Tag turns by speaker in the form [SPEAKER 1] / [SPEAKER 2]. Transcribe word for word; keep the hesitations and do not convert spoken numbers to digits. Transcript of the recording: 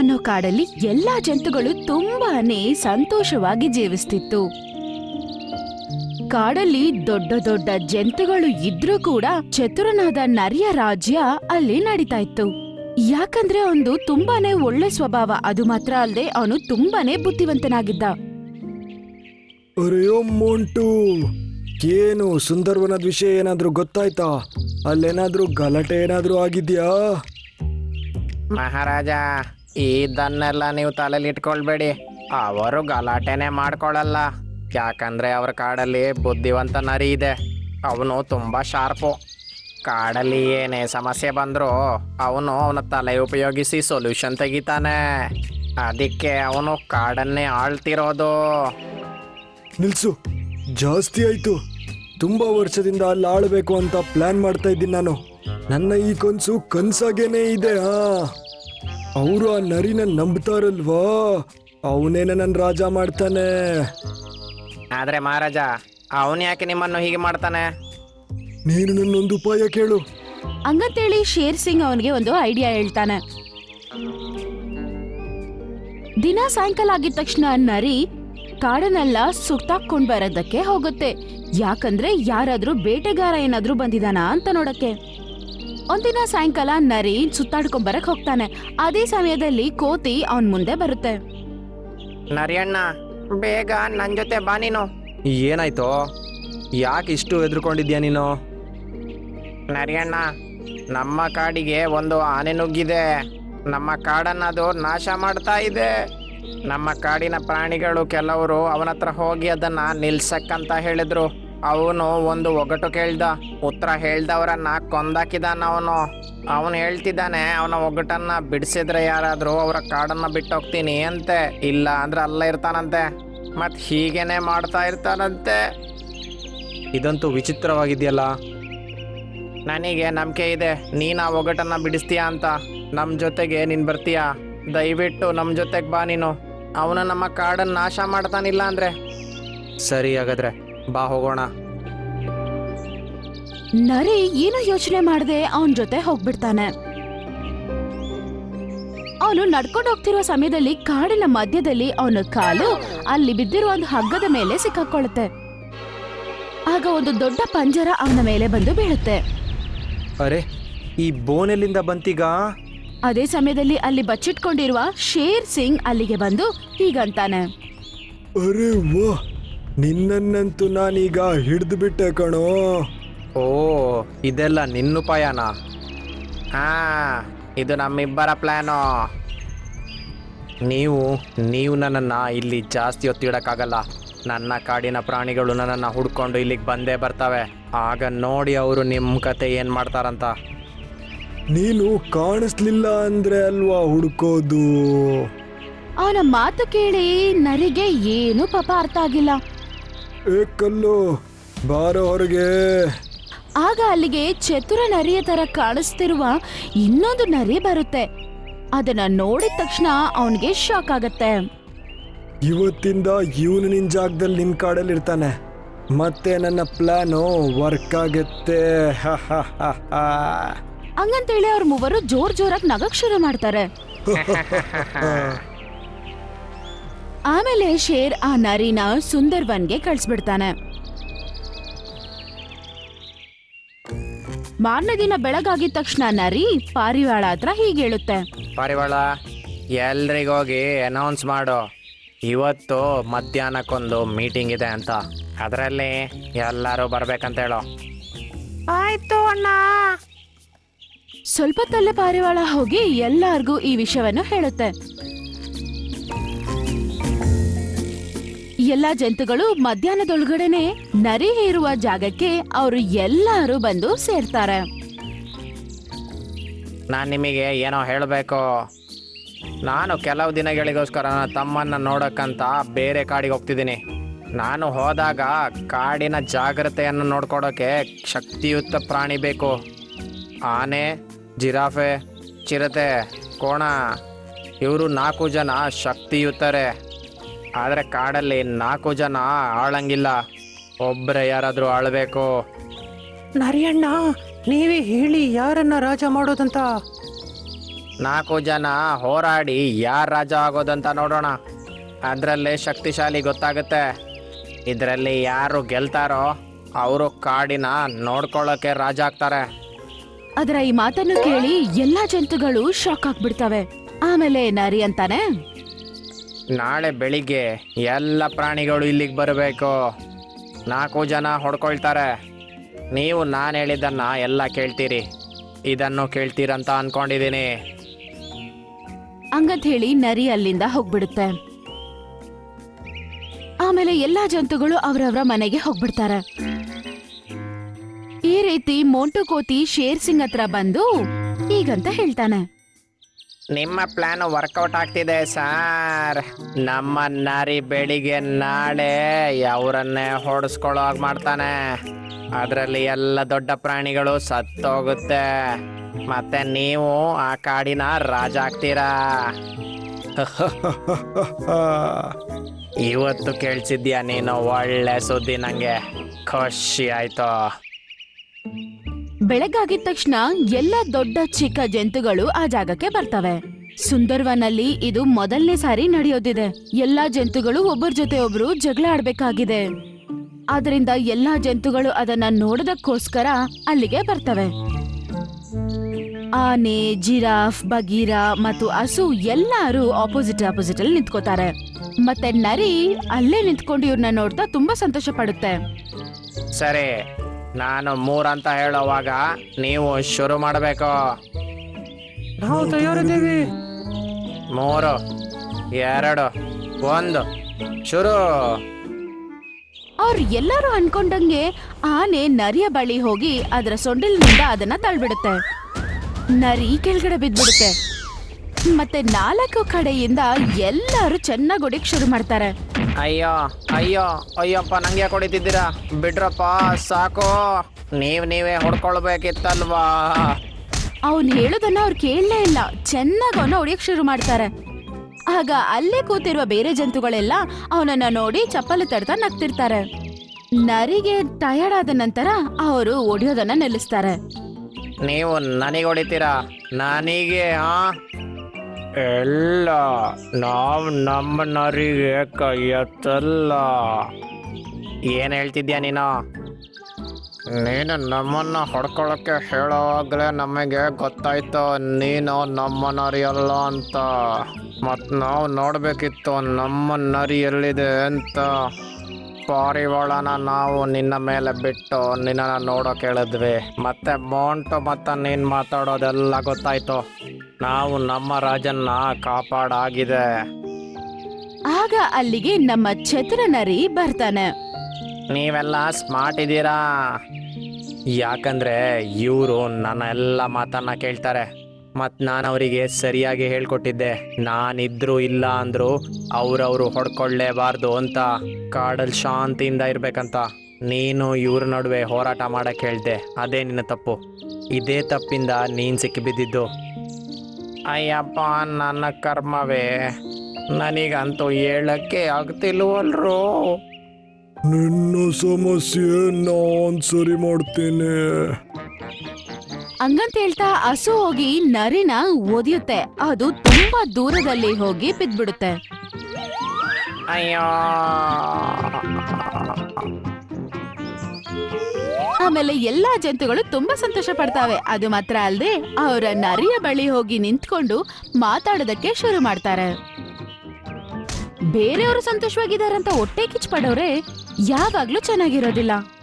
[SPEAKER 1] ಅನ್ನೋ ಕಾಡಲ್ಲಿ ಎಲ್ಲಾ ಜಂತುಗಳು ತುಂಬಾನೇ ಸಂತೋಷವಾಗಿ ಜೀವಿಸ್ತಿತ್ತು. ಕಾಡಲ್ಲಿ ದೊಡ್ಡ ದೊಡ್ಡ ಜಂತುಗಳು ಇದ್ರೂ ಕೂಡ ಚತುರನಾದ ನರಿಯ ರಾಜ್ಯ ಅಲ್ಲಿ ನಡೀತಾ ಇತ್ತು. ಯಾಕಂದ್ರೆ ಅವನು ತುಂಬಾನೇ ಒಳ್ಳೆ ಸ್ವಭಾವ, ಅದು ಮಾತ್ರ ಅಲ್ಲದೆ ಅವನು ತುಂಬಾನೇ ಬುದ್ಧಿವಂತನಾಗಿದ್ದ.
[SPEAKER 2] ಅರೆಯೋ ಮೋಂಟು, ಏನು ಸುಂದರವನದ ವಿಷಯ ಏನಾದ್ರೂ ಗೊತ್ತಾಯ್ತಾ? ಅಲ್ಲೇನಾದ್ರೂ ಗಲಾಟೆ ಏನಾದ್ರೂ ಆಗಿದ್ಯಾ?
[SPEAKER 3] ಮಹಾರಾಜ, ಇದನ್ನೆಲ್ಲ ನೀವು ತಲೆಯಲ್ಲಿ ಇಟ್ಕೊಳ್ಬೇಡಿ. ಅವರು ಗಲಾಟೆನೆ ಮಾಡ್ಕೊಳಲ್ಲ. ಯಾಕಂದ್ರೆ ಅವ್ರ ಕಾಡಲ್ಲಿ ಬುದ್ಧಿವಂತ ನರಿ ಇದೆ. ಅವನು ತುಂಬಾ ಶಾರ್ಪು. ಕಾಡಲ್ಲಿ ಏನೇ ಸಮಸ್ಯೆ ಬಂದರೂ ಅವನು ಅವನ ತಲೆ ಉಪಯೋಗಿಸಿ ಸೊಲ್ಯೂಷನ್ ತೆಗಿತಾನೆ. ಅದಕ್ಕೆ ಅವನು ಕಾಡನ್ನೇ ಆಳ್ತಿರೋದು.
[SPEAKER 2] ನಿಲ್ಸು, ಜಾಸ್ತಿ ಆಯ್ತು. ತುಂಬಾ ವರ್ಷದಿಂದ ಅಲ್ಲಿ ಆಳ್ಬೇಕು ಅಂತ ಪ್ಲಾನ್ ಮಾಡ್ತಾ ಇದ್ದೀನಿ ನಾನು. ನನ್ನ ಈ ಕನ್ಸು ಕನ್ಸಾಗೇನೆ ಇದೆ. ಹಾ, ಅವರು ಆ ನರಿನ ನಂಬ್ತಾರಲ್ವಾ, ಅವನೇನ ನನ್ನ ರಾಜ ಮಾಡ್ತಾನೆ.
[SPEAKER 3] ಆದ್ರೆ ಮಹಾರಾಜ, ಅವನು ಯಾಕೆ ನಿಮ್ಮನ್ನು ಹೀಗೆ ಮಾಡ್ತಾನೆ?
[SPEAKER 2] ನೀನು ನನ್ನೊಂದು ಉಪಾಯ ಕೇಳು.
[SPEAKER 1] ಹಂಗಂತೇಳಿ ಶೇರ್ ಸಿಂಗ್ ಅವನಿಗೆ ಒಂದು ಐಡಿಯಾ ಹೇಳ್ತಾನೆ. ದಿನ ಸಾಯಂಕಾಲ ಆಗಿದ ತಕ್ಷಣ ನರಿ ಕಾಡನ್ನೆಲ್ಲ ಸುತ್ತಾಕೊಂಡ್ ಬರೋದಕ್ಕೆ ಹೋಗುತ್ತೆ. ಯಾಕಂದ್ರೆ ಯಾರಾದ್ರೂ ಬೇಟೆಗಾರ ಏನಾದ್ರೂ ಬಂದಿದಾನ ಅಂತ ನೋಡಕ್ಕೆ. ಒಂದಿನ ಸಾಯಂಕಾಲ ನರಿ ಸುತ್ತಾಡ್ಕೊಂಡ್ ಬರಕ್ ಹೋಗ್ತಾನೆ. ಅದೇ ಸಮಯದಲ್ಲಿ ಕೋತಿ ಅವನ್ ಮುಂದೆ ಬರುತ್ತೆ.
[SPEAKER 3] ನರಿಯಣ್ಣ, ಬೇಗ ನನ್ನ ಜೊತೆ ಬಾ ನೀನು.
[SPEAKER 4] ಏನಾಯ್ತೋ? ಯಾಕೆ ಇಷ್ಟು ಹೆದರ್ಕೊಂಡಿದ್ಯಾ ನೀನು?
[SPEAKER 3] ನರಿಯಣ್ಣ, ನಮ್ಮ ಕಾಡಿಗೆ ಒಂದು ಆನೆ ನುಗ್ಗಿದೆ. ನಮ್ಮ ಕಾಡನ್ನದು ನಾಶ ಮಾಡ್ತಾ ಇದೆ. ನಮ್ಮ ಕಾಡಿನ ಪ್ರಾಣಿಗಳು ಕೆಲವರು ಅವನ ಹತ್ರ ಹೋಗಿ ಅದನ್ನ ನಿಲ್ಸಕ್ಕಂತ ಹೇಳಿದ್ರು. ಅವನು ಒಂದು ಒಗಟು ಕೇಳ್ದ. ಉತ್ತರ ಹೇಳ್ದವರನ್ನ ಕೊಂದಾಕಿದಾನ ಅವನು. ಅವನು ಹೇಳ್ತಿದ್ದಾನೆ, ಅವನ ಒಗಟನ್ನ ಬಿಡಿಸಿದ್ರೆ ಯಾರಾದ್ರೂ ಅವರ ಕಾಡನ್ನ ಬಿಟ್ಟೋಗ್ತೀನಿ ಅಂತೆ, ಇಲ್ಲ ಅಂದ್ರೆ ಅಲ್ಲೇ ಇರ್ತಾನಂತೆ. ಮತ್ ಹೀಗೇನೆ ಮಾಡ್ತಾ ಇರ್ತಾನಂತೆ.
[SPEAKER 4] ಇದಂತೂ ವಿಚಿತ್ರವಾಗಿದೆಯಲ್ಲ.
[SPEAKER 3] ನನಗೆ ನಂಬಿಕೆ ಇದೆ ನೀನು ಆ ಒಗಟನ್ನ ಬಿಡಿಸ್ತೀಯಾ ಅಂತ. ನಮ್ಮ ಜೊತೆಗೆ ನೀನು ಬರ್ತೀಯಾ? ದಯವಿಟ್ಟು ನಮ್ಮ ಜೊತೆಗೆ ಬಾ ನೀನು. ಅವನು ನಮ್ಮ ಕಾಡನ್ನು ನಾಶ ಮಾಡ್ತಾನಿಲ್ಲ ಅಂದ್ರೆ.
[SPEAKER 4] ಸರಿ, ಹಾಗಾದ್ರೆ ಬಾ ಹೋಗೋಣ.
[SPEAKER 1] ನರಿ ಏನು ಯೋಚನೆ ಮಾಡದೆ ಅವನ್ ಜೊತೆ ಹೋಗ್ಬಿಡ್ತಾನೆ. ಅವನು ನಡ್ಕೊಂಡು ಹೋಗ್ತಿರುವ ಸಮಯದಲ್ಲಿ ಕಾಡಿನ ಮಧ್ಯದಲ್ಲಿ ಅವನ ಕಾಲು ಅಲ್ಲಿ ಬಿದ್ದಿರುವ ಒಂದು ಹಗ್ಗದ ಮೇಲೆ ಸಿಕ್ಕಾಕೊಳ್ಳುತ್ತೆ. ಆಗ ಒಂದು ದೊಡ್ಡ ಪಂಜರ ಅವನ ಮೇಲೆ ಬಂದು ಬೀಳುತ್ತೆ.
[SPEAKER 4] ಅರೆ, ಈ ಬೋನೆಲ್ಲಿಂದ ಬಂತೀಗ?
[SPEAKER 1] ಅದೇ ಸಮಯದಲ್ಲಿ ಅಲ್ಲಿ ಬಚ್ಚಿಟ್ಕೊಂಡಿರುವ ಶೇರ್ ಸಿಂಗ್ ಅಲ್ಲಿಗೆ ಬಂದು ಹೀಗಂತಾನೆ.
[SPEAKER 2] ಅರೆ ವಾ, ನಿನ್ನನ್ನಂತೂ ನಾನೀಗ ಹಿಡಿದು ಬಿಟ್ಟೆ ಕಣೋ.
[SPEAKER 4] ಓ, ಇದೆಲ್ಲ ನಿನ್ನುಪಾಯನಾ?
[SPEAKER 3] ಹಾ, ಇದು ನಮ್ಮಿಬ್ಬರ ಪ್ಲಾನು.
[SPEAKER 4] ನೀವು ನೀವು ನನ್ನನ್ನು ಇಲ್ಲಿ ಜಾಸ್ತಿ ಹೊತ್ತಿಡಕ್ಕಾಗಲ್ಲ. ನನ್ನ ಕಾಡಿನ ಪ್ರಾಣಿಗಳು ನನ್ನನ್ನು ಹುಡ್ಕೊಂಡು ಇಲ್ಲಿಗೆ ಬಂದೇ ಬರ್ತವೆ. ಆಗ ನೋಡಿ ಅವರು ನಿಮ್ಮ ಕತೆ ಏನು ಮಾಡ್ತಾರಂತ.
[SPEAKER 2] ನೀನು ಕಾಣಿಸ್ಲಿಲ್ಲ ಅಂದ್ರೆ ಅಲ್ವಾ ಹುಡುಕೋದು.
[SPEAKER 1] ಅವನ ಮಾತು ಕೇಳಿ ನರಿಗೆ ಏನು ಪಾಪ ಅರ್ಥ ಆಗಿಲ್ಲ.
[SPEAKER 2] ಏ ಕಲ್ಲು, ಬಾರೋ ಹೊರಗೆ.
[SPEAKER 1] ಆಗ ಅಲ್ಲಿಗೆ ಚತುರ ನರಿಯ ತರ ಕಾಣಿಸ್ತಿರುವ ಇನ್ನೊಂದು ನರಿ ಬರುತ್ತೆ. ಅದನ್ನ ನೋಡಿದ ತಕ್ಷಣ ಅವನಿಗೆ ಶಾಕ್ ಆಗತ್ತೆ.
[SPEAKER 2] ಇವತ್ತಿಂದ ಇವನು ನಿನ್ ಜಾಗದಲ್ಲಿ ನಿನ್ ಕಾಡಲ್ಲಿ ಇರ್ತಾನೆ. ಮತ್ತೆ ನನ್ನ ಪ್ಲಾನು ವರ್ಕ್ ಆಗತ್ತೆ.
[SPEAKER 1] ಹಂಗಂತೇಳಿ ಅವ್ರ ಮೂವರು ಜೋರ್ ಜೋರಾಗಿ ನಗಕ್ ಶುರು ಮಾಡ್ತಾರೆ. ಆಮೇಲೆ ಶೇರ್ ಆ ನರಿನ ಸುಂದರ್ವನ್ಗೆ ಕಳ್ಸ್ಬಿಡ್ತಾನೆ. ಮಾರನೇ ದಿನ ಬೆಳಗಾಗಿದ ತಕ್ಷಣ ನರಿ ಪಾರಿವಾಳ ಹತ್ರ ಹೀಗೆ ಹೇಳುತ್ತೆ.
[SPEAKER 3] ಪಾರಿವಾಳ, ಎಲ್ರಿಗೋಗಿ ಅನೌನ್ಸ್ ಮಾಡು, ಇವತ್ತು ಮಧ್ಯಾಹ್ನಕ್ಕೊಂದು ಮೀಟಿಂಗ್ ಇದೆ ಅಂತ. ಅದರಲ್ಲಿ ಎಲ್ಲರೂ ಬರ್ಬೇಕಂತ ಹೇಳು. ಆಯ್ತು ಅಣ್ಣ.
[SPEAKER 1] ಸ್ವಲ್ಪ ತಲೆ ಪಾರಿವಾಳ ಹೋಗಿ ಎಲ್ಲಾರ್ಗೂ ಈ ವಿಷಯವನ್ನು ಹೇಳುತ್ತೆ. ಎಲ್ಲಾ ಜಂತುಗಳು ಮಧ್ಯಾಹ್ನದೊಳಗಡೆನೆ ನರಿ ಇರುವ ಜಾಗಕ್ಕೆ ಅವರು ಎಲ್ಲರೂ ಬಂದು ಸೇರ್ತಾರೆ.
[SPEAKER 3] ನಾನು ನಿಮಗೆ ಏನೋ ಹೇಳಬೇಕು. ನಾನು ಕೆಲವು ದಿನಗಳಿಗೋಸ್ಕರ ನನ್ನ ತಮ್ಮನ್ನ ನೋಡಕ್ಕಂತ ಬೇರೆ ಕಾಡಿಗೆ ಹೋಗ್ತಿದ್ದೀನಿ. ನಾನು ಹೋದಾಗ ಕಾಡಿನ ಜಾಗ್ರತೆಯನ್ನು ನೋಡ್ಕೊಡೋಕೆ ಶಕ್ತಿಯುತ ಪ್ರಾಣಿ ಬೇಕು. ಆನೆ, ಜಿರಾಫೆ, ಚಿರತೆ, ಕೋಣ, ಇವರು ನಾಲ್ಕು ಜನ ಶಕ್ತಿಯುತರೆ. ಆದರೆ ಕಾಡಲ್ಲಿ ನಾಲ್ಕು ಜನ ಆಳಂಗಿಲ್ಲ, ಒಬ್ಬರೇ ಯಾರಾದರೂ ಆಳಬೇಕು.
[SPEAKER 4] ನರಿಯಣ್ಣ, ನೀವೇ ಹೇಳಿ ಯಾರನ್ನ ರಾಜ ಮಾಡೋದಂತ.
[SPEAKER 3] ನಾಲ್ಕು ಜನ ಹೋರಾಡಿ ಯಾರು ರಾಜ ಆಗೋದಂತ ನೋಡೋಣ. ಅದರಲ್ಲೇ ಶಕ್ತಿಶಾಲಿ ಗೊತ್ತಾಗುತ್ತೆ. ಇದರಲ್ಲಿ ಯಾರು ಗೆಲ್ತಾರೋ ಅವರು ಕಾಡಿನ ನೋಡ್ಕೊಳ್ಳೋಕೆ ರಾಜ ಆಗ್ತಾರೆ.
[SPEAKER 1] ಅದರ ಈ ಮಾತನ್ನು ಕೇಳಿ ಎಲ್ಲಾ ಜಂತುಗಳು ಶಾಕ್ ಆಗ್ಬಿಡ್ತವೆ. ಆಮೇಲೆ ನರಿ ಅಂತಾನೆ,
[SPEAKER 3] ನಾಳೆ ಬೆಳಿಗ್ಗೆ ಎಲ್ಲ ಪ್ರಾಣಿಗಳು ಇಲ್ಲಿಗೆ ಬರಬೇಕು. ನಾಲ್ಕು ಜನ ಹೊಡ್ಕೊಳ್ತಾರೆ. ನೀವು ನಾನು ಹೇಳಿದ್ದನ್ನು ಎಲ್ಲ ಕೇಳ್ತೀರಿ. ಇದನ್ನು ಕೇಳ್ತೀರಂತ ಅನ್ಕೊಂಡಿದ್ದೀನಿ.
[SPEAKER 1] ಹಂಗಂತ ಹೇಳಿ ನರಿ ಅಲ್ಲಿಂದ ಹೋಗ್ಬಿಡುತ್ತೆ. ಆಮೇಲೆ ಎಲ್ಲಾ ಜಂತುಗಳು ಅವ್ರವ್ರ ಮನೆಗೆ ಹೋಗ್ಬಿಡ್ತಾರೆ. ಈ ರೀತಿ ಮೋಂಟು ಕೋತಿ ಶೇರ್ ಸಿಂಗ್ ಹತ್ರ ಬಂದು ಹೀಗಂತ ಹೇಳ್ತಾನೆ,
[SPEAKER 3] ನಿಮ್ಮ ಪ್ಲಾನ್ ವರ್ಕೌಟ್ ಆಗ್ತಿದೆ ಸಾರ್. ನಮ್ಮ ನರಿ ಬೆಳಿಗ್ಗೆ ನಾಳೆ ಅವರನ್ನೇ ಹೊಡೆಸ್ಕೊಳ್ಳೋ ಹಾಗೆ ಮಾಡ್ತಾನೆ. ಅದರಲ್ಲಿ ಎಲ್ಲ ದೊಡ್ಡ ಪ್ರಾಣಿಗಳು ಸತ್ತೋಗುತ್ತೆ. ಮತ್ತೆ ನೀವು ಆ ಕಾಡಿನ ರಾಜ ಆಗ್ತೀರಾ. ಇವತ್ತು ಕೇಳಿಸಿದ್ಯಾ ನೀನು? ಒಳ್ಳೆ ಸುದ್ದಿ, ನಂಗೆ ಖುಷಿ ಆಯ್ತು.
[SPEAKER 1] ಬೆಳಗಾಗಿದ ತಕ್ಷಣ ಎಲ್ಲ ದೊಡ್ಡ ಚಿಕ್ಕ ಜಂತುಗಳು ಆ ಜಾಗಕ್ಕೆ ಬರ್ತವೆ. ಸುಂದರ್ವನಲ್ಲಿ ಇದು ಮೊದಲನೇ ಸಾರಿ ನಡೆಯೋದಿದೆ. ಎಲ್ಲಾ ಜಂತುಗಳು ಒಬ್ಬರ ಜೊತೆ ಒಬ್ರು ಜಗಳ ಆಡ್ಬೇಕಾಗಿದೆ. ಆದ್ರಿಂದ ಎಲ್ಲಾ ಜಂತುಗಳು ಅದನ್ನ ನೋಡೋದಕ್ಕೋಸ್ಕರ ಅಲ್ಲಿಗೆ ಬರ್ತವೆ. ಆನೆ, ಜಿರಾಫ್, ಬಗೀರ ಮತ್ತು ಹಸು ಎಲ್ಲಾರು ಆಪೋಸಿಟ್ ಆಪೋಸಿಟ್ ಅಲ್ಲಿ ನಿಂತ್ಕೋತಾರೆ. ಮತ್ತೆ ನರಿ ಅಲ್ಲೇ ನಿಂತ್ಕೊಂಡು ಇವ್ರನ್ನ ನೋಡ್ತಾ ತುಂಬಾ ಸಂತೋಷ ಪಡುತ್ತೆ.
[SPEAKER 3] ಸರಿ, ನಾನು ಮೂರಂತ ಹೇಳೋವಾಗ ನೀವು ಶುರು ಮಾಡಬೇಕು.
[SPEAKER 4] ನಾವು ತಯಾರಿದ್ದೀವಿ.
[SPEAKER 3] ಮೂರು, ಎರಡು, ಒಂದು, ಶುರು.
[SPEAKER 1] ಅವ್ರು ಎಲ್ಲರೂ ಅನ್ಕೊಂಡಂಗೆ ಆನೆ ನರಿಯ ಬಳಿ ಹೋಗಿ ಅದರ ಸೊಂಡಿಲಿನಿಂದ ಅದನ್ನ ತಳ್ಬಿಡುತ್ತೆ. ನರಿ ಕೆಳಗಡೆ ಬಿದ್ಬಿಡುತ್ತೆ. ಮತ್ತೆ ನಾಲ್ಕು ಕಡೆಯಿಂದ ಎಲ್ಲರೂ ಚೆನ್ನಾಗಿ ಹೊಡಿಕ್ ಶುರು ಮಾಡ್ತಾರೆ.
[SPEAKER 3] ಅಯ್ಯೋ ಅಯ್ಯೋ ಅಯ್ಯಪ್ಪ, ನಂಗೆ ಯಾಕೆ ಹೊಡಿತಿದ್ದೀರಾ? ಬಿಡ್ರಪ್ಪ, ಸಾಕು. ನೀವ್ ನೀವೇ ಹೊಡ್ಕೊಳ್ಬೇಕಿತ್ತಲ್ವಾ?
[SPEAKER 1] ಅವನ್ ಹೇಳೋದನ್ನ ಅವ್ರು ಕೇಳಲೇ ಇಲ್ಲ. ಚೆನ್ನಾಗಿ ಅವನ ಹೊಡಿಯಕ್ ಶುರು ಮಾಡ್ತಾರೆ. ಆಗ ಅಲ್ಲೇ ಕೂತಿರುವ ಬೇರೆ ಜಂತುಗಳೆಲ್ಲ ಅವನನ್ನ ನೋಡಿ ಚಪ್ಪಲಿ ತಡ್ತಾ ನಗ್ತಿರ್ತಾರೆ. ನರಿಗೆ ಟಯರ್ಡ್ ಆದ ನಂತರ ಅವರು ಹೊಡಿಯೋದನ್ನ ನಿಲ್ಲಿಸ್ತಾರೆ.
[SPEAKER 3] ನೀವು ನನಗೆ ಹೊಡಿತೀರಾ? ನನಗೆ? ಹಾ, ಎಲ್ಲ ನಾವು ನಮ್ಮ ನರಿಗೆ ಕೈ ಎತ್ತಲ್ಲ. ಏನು ಹೇಳ್ತಿದ್ಯಾ ನೀನು? ನೀನು ನಮ್ಮನ್ನ ಹೊಡ್ಕೊಳ್ಳೋಕ್ಕೆ ಹೇಳೋವಾಗಲೇ ನಮಗೆ ಗೊತ್ತಾಯ್ತು ನೀನು ನಮ್ಮ ನರಿ ಅಲ್ಲ ಅಂತ. ಮತ್ತು ನಾವು ನೋಡಬೇಕಿತ್ತು ನಮ್ಮ ನರಿ ಎಲ್ಲಿದೆ ಅಂತ. ಪಾರಿವಾಳನ ನಾವು ನಿನ್ನ ಮೇಲೆ ಬಿಟ್ಟು ನಿನ್ನನ್ನು ನೋಡೋಕೆ ಹೇಳಿದ್ವಿ. ಮತ್ತೆ ಮೋಂಟು ಮತ್ತು ನೀನು ಮಾತಾಡೋದೆಲ್ಲ ಗೊತ್ತಾಯ್ತು. ನಾವು ನಮ್ಮ ರಾಜನ್ನ ಕಾಪಾಡಾಗಿದೆ.
[SPEAKER 1] ಆಗ ಅಲ್ಲಿಗೆ ನಮ್ಮ ಚತುರ ನರಿ ಬರ್ತಾನೆ.
[SPEAKER 3] ನೀವೆಲ್ಲ ಸ್ಮಾರ್ಟ್ ಇದ್ದೀರಾ.
[SPEAKER 4] ಯಾಕಂದ್ರೆ ಇವರು ನನ್ನ ಎಲ್ಲ ಮಾತನ್ನ ಕೇಳ್ತಾರೆ. ಮತ್ತು ನಾನು ಅವರಿಗೆ ಸರಿಯಾಗಿ ಹೇಳ್ಕೊಟ್ಟಿದ್ದೆ. ನಾನಿದ್ರು ಇಲ್ಲ ಅಂದ್ರು ಅವ್ರವ್ರು ಹೊಡ್ಕೊಳ್ಳೇಬಾರ್ದು ಅಂತ, ಕಾಡಲ್ಲಿ ಶಾಂತಿಯಿಂದ ಇರ್ಬೇಕಂತ. ನೀನು ಇವ್ರ ನಡುವೆ ಹೋರಾಟ ಮಾಡಕ್ಕೆ ಹೇಳ್ದೆ, ಅದೇ ನಿನ್ನ ತಪ್ಪು. ಇದೇ ತಪ್ಪಿಂದ ನೀನು ಸಿಕ್ಕಿಬಿದ್ದಿದ್ದು.
[SPEAKER 3] ಅಯ್ಯಪ್ಪ, ನನ್ನ ಕರ್ಮವೇ. ನನಗಂತೂ ಹೇಳಕ್ಕೆ ಆಗ್ತಿಲ್ವಲ್ರು.
[SPEAKER 2] ನಿನ್ನ ಸಮಸ್ಯೆ ನಾನ್ ಸರಿ ಮಾಡ್ತೇನೆ.
[SPEAKER 1] ಹಂಗಂತ ಹೇಳ್ತಾ ಹಸು ಹೋಗಿ ನರಿನ ಒದಿಯುತ್ತೆ. ಅದು ತುಂಬಾ ದೂರದಲ್ಲಿ ಹೋಗಿ ಬಿದ್ಬಿಡುತ್ತೆ.
[SPEAKER 3] ಅಯ್ಯೋ,
[SPEAKER 1] ಆಮೇಲೆ ಎಲ್ಲಾ ಜಂತುಗಳು ತುಂಬಾ ಸಂತೋಷ ಪಡ್ತಾವೆ. ಅದು ಮಾತ್ರ ಅಲ್ಲದೆ ಅವರ ನರಿಯ ಬಳಿ ಹೋಗಿ ನಿಂತ್ಕೊಂಡು ಮಾತಾಡೋದಕ್ಕೆ ಶುರು ಮಾಡ್ತಾರೆ. ಬೇರೆಯವರು ಸಂತೋಷವಾಗಿದಾರಂತ ಹೊಟ್ಟೆ ಕಿಚ್ಚು ಪಡೋರೆ ಯಾವಾಗ್ಲೂ ಚೆನ್ನಾಗಿರೋದಿಲ್ಲ.